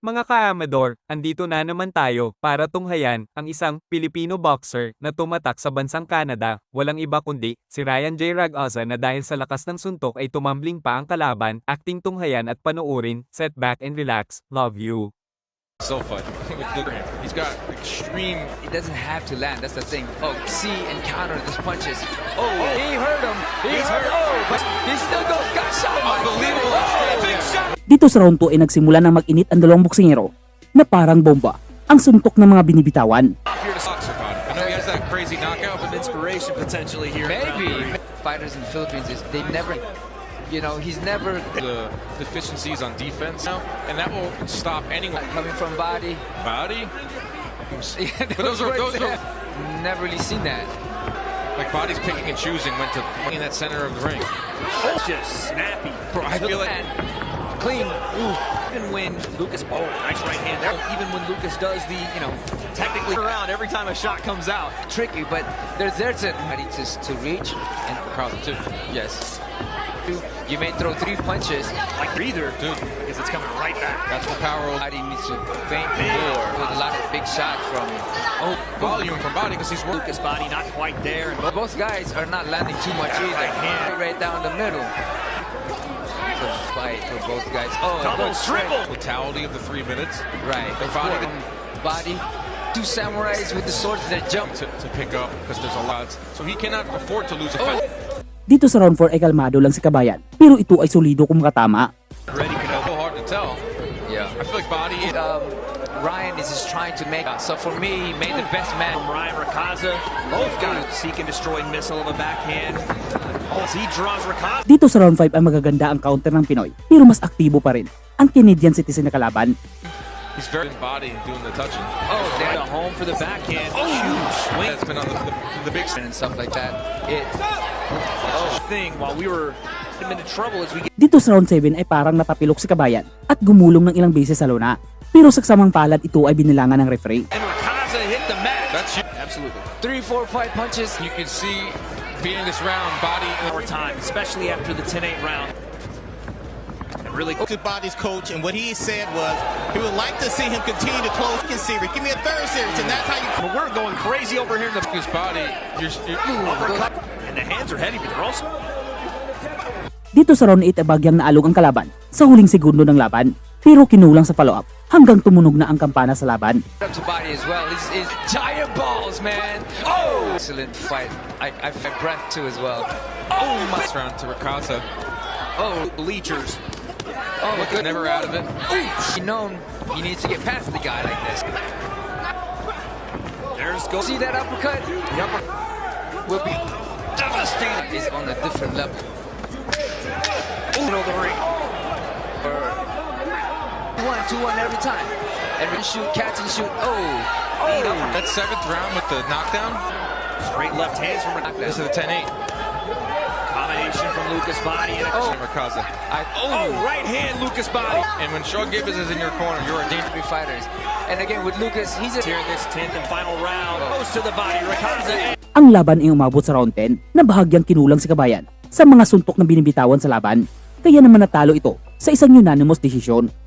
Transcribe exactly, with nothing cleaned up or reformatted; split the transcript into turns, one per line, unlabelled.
Mga ka-Amador, andito na naman tayo para tunghayan ang isang Pilipino boxer na tumatak sa bansang Canada, walang iba kundi si Ryan J. Ragosa na dahil sa lakas ng suntok ay tumambling pa ang kalaban, acting tunghayan at panoorin, set back and relax, love you.
So fun. He's got extreme.
He doesn't have to land. That's the thing. Oh, see and counter these punches. Oh, he hurt him. He's hurt. Oh, but he still goes. Got shot.
Unbelievable.
Oh,
Big shot.
Dito sa round two ay nagsimula ng mag-init ang dalawang boksingero na parang bomba ang suntok ng mga binibitawan.
Here to Soxercon. I know he has that crazy knockout, but
Inspiration potentially here.
maybe fighters in the Philippines is they never, you know, he's never
the deficiencies on defense now, and that will stop anyone.
coming from body.
Body,
but
those are- those are-
never really seen that.
like Body's picking and choosing when to in that center of the ring.
Just snappy.
Bro, I feel like
And clean. Ooh.
Even when Lucas, oh, nice right hand there. Even when Lucas does the, you know, technically around every time a shot comes out.
Tricky, but there's there to ready to to reach and
Crowd too.
yes. You may throw three punches.
Like breather,
Dude,
because it's coming right back.
that's what power will.
Body needs to feint more with a lot of big shots from
Oh, volume from Body because he's working.
Lucas body not quite there. And both
both guys are not landing too much either.
Right hand.
Right down the middle. So fight for both guys. Oh,
double,
good
triple.
Totality of the three minutes
Right.
Their
Body.
body-
Body. Two samurais with the swords that jump.
to, to pick up because there's a lot. So he cannot afford to lose a
Oh.
fight.
Dito sa round four ay kalmado lang si Kabayan pero ito ay solido kung makatama.
ready to go.
So hard to tell.
Yeah.
I feel like Body.
Um, Ryan is just trying to make. So for me, he made the best man.
From Ryan Rakaza, both guys seek and destroy missile of a backhand. Oh, as he draws Rakaza.
Dito sa round five ay magaganda ang counter ng Pinoy pero mas aktibo pa rin ang Canadian citizen na kalaban.
He's very in Body and doing the touching.
Oh,
Right
there.
to home for the backhand. Oh, huge swing.
That's been on the, the, the big.
And stuff like that. It.
Oh, thing while we were in into trouble as we get
Dito sa round seven ay parang natapilok si Kabayan at gumulong ng ilang beses sa lona. Pero sa samang palad ito ay binilangan ng referee.
and Rakaza hit the mat.
That's you.
Absolutely.
Three, four, five punches.
You can see being this round, Body.
More time, especially after the ten eight round. And really
to Body's coach, and what he said was he would like to see him continue to close second series. Give me a third series, and that's how you.
But we're going crazy over here in the
His Body. You're, you're,
uppercut. And the hands are heavy, but they're also
Dito sa round eight ay bagyang naalog ang kalaban sa huling segundo ng laban pero kinulang sa follow-up hanggang tumunog na ang kampana sa laban.
Up to Body as well. He's, he's giant balls, man. Oh, excellent fight. I I, I breath too as well.
oh, my this round to Rakaza.
Oh,
bleachers.
oh, good.
Never out of it.
You know you need to get past the guy like this.
There's go.
See that uppercut?
The upper
Will be devastating. Is on a different level.
middle of the ring.
One, two, one every time. And we shoot, catch and shoot. Oh, oh.
That seventh round with the knockdown.
Straight left hands from Rakaza.
This is the ten eight.
Combination from Lucas body. And
Oh.
Rakaza.
I,
oh, right hand, Lucas body.
And when Shaw Gibbons is in your corner, you're a danger.
three fighters. And again with Lucas, he's a
Here in this tenth and final round. Goes to the body. Rakaza.
Ang laban ay umabot sa round ten na bahagyang kinulang si Kabayan sa mga suntok na binibitawan sa laban. Kaya naman natalo ito sa isang unanimous decision.